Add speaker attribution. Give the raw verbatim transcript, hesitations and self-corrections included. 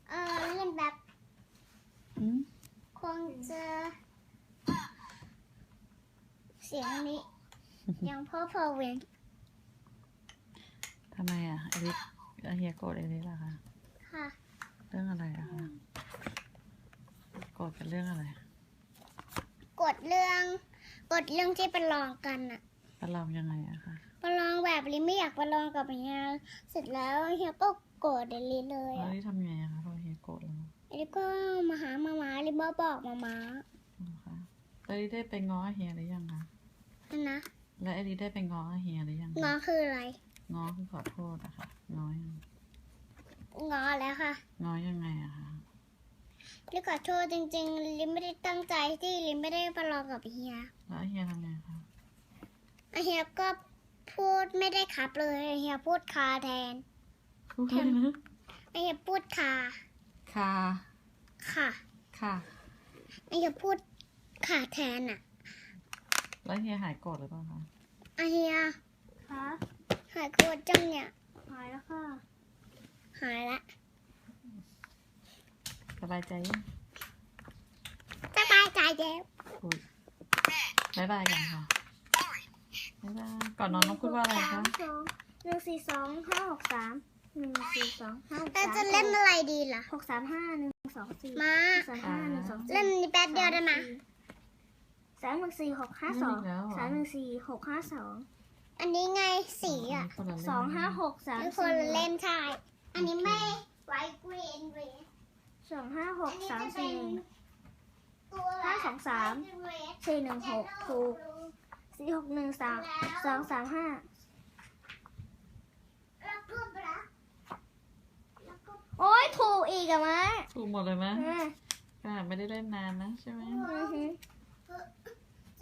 Speaker 1: เออเล่นแบบคงจะเสียงนี้ ยังพ่อพอเวน
Speaker 2: ทำไมอ่ะเอลิสเฮียโกรธเอลิสล่ะคะ
Speaker 1: ค่ะ
Speaker 2: เรื่องอะไรอะคะโกรธกันเรื่องอะไร
Speaker 1: กดเรื่องกดเรื่องที่ประลองกันอะ
Speaker 2: ประลองยังไงอะคะ
Speaker 1: ประลองแบบลิไม่อยากประลองกับเฮียเสร็จแล้วเฮียก็โกรธเดลิเลย
Speaker 2: แล้ว
Speaker 1: อะ
Speaker 2: ลิทำไงอะคะพอเฮียโกรธแล้ว
Speaker 1: ลิก็มาหามาม้าลิมาบอกมาม้า
Speaker 2: นะคะแล้วลิได้ไปง้อเฮียหรือยังคะ
Speaker 1: นะ
Speaker 2: แล้วเอลิได้ไปง้อเฮียหรือยัง
Speaker 1: ง้อคืออะไร
Speaker 2: ง้อคือขอโทษอะค่ะง้อยัง
Speaker 1: ง้อแล้วค่ะ
Speaker 2: ง้อยังไงอะคะ
Speaker 1: ลิขอโทษจริงๆลิไม่ได้ตั้งใจที่ลิไม่ได้ประลองกับเฮีย
Speaker 2: แล้วเฮียทำไงคะ
Speaker 1: เฮียก็พูดไม่ได้ครับเลยเฮียพูดคาแทน
Speaker 2: พูดเลยนะ
Speaker 1: เฮียพูดคา
Speaker 2: คา
Speaker 1: ค่ะ
Speaker 2: ค่ะ
Speaker 1: เฮียพูดขาแทนอะ
Speaker 2: แล้วเฮียหายโกรธหรือเปล่าคะ
Speaker 1: เฮีย
Speaker 3: คะ
Speaker 1: หายโกรธจังเนี่ย
Speaker 3: หายแล้วค่ะ
Speaker 1: หายละ
Speaker 2: สบายใจยัง
Speaker 1: สบายใจแล้ว
Speaker 2: พูดบายบายกันค่ะบายบายก่อนนอนต้องพูดว่าอะไรคะ
Speaker 3: หนึ่งสี่สองห้าหกสามหนึ่งสี่สองห้าหก
Speaker 1: เรา
Speaker 3: สาม
Speaker 1: จะเล่นอะไรดีล่ะ
Speaker 3: หกสามห้าหนึ่งสองสี่
Speaker 1: มา
Speaker 3: สามห้าหนึ่งสองสี่
Speaker 1: เล่นนี้แป๊บเดียวได้ไหม
Speaker 3: สามหนึ่งสี่หกห้าสองสามหนึ่งสี่หกห้าสอง
Speaker 1: อันนี้ไงสีอ่ะ
Speaker 2: คนละเล่ม
Speaker 3: สองห้าหกสาม
Speaker 1: ทุกคน
Speaker 3: สี่
Speaker 1: เล่นใช่อันนี้ไม่ไวกรีนเรส
Speaker 3: สองห้าห
Speaker 1: อั
Speaker 3: ก
Speaker 1: นนี้
Speaker 3: สาม
Speaker 1: จะเป็
Speaker 3: สี่
Speaker 1: นตัว
Speaker 3: ห้าสองสาม สี่หนึ่งหกถูกสี่หกหนึ่งสามสองสามห้า
Speaker 1: แล้วก็บลักแล้วก็
Speaker 3: โอ้ยถูกอีกอะมะ
Speaker 2: ถูกหมดเลยไหม
Speaker 3: อ่ะ
Speaker 2: ขนาดไม่ได้เล่นนานนะใช่ไหม
Speaker 3: อื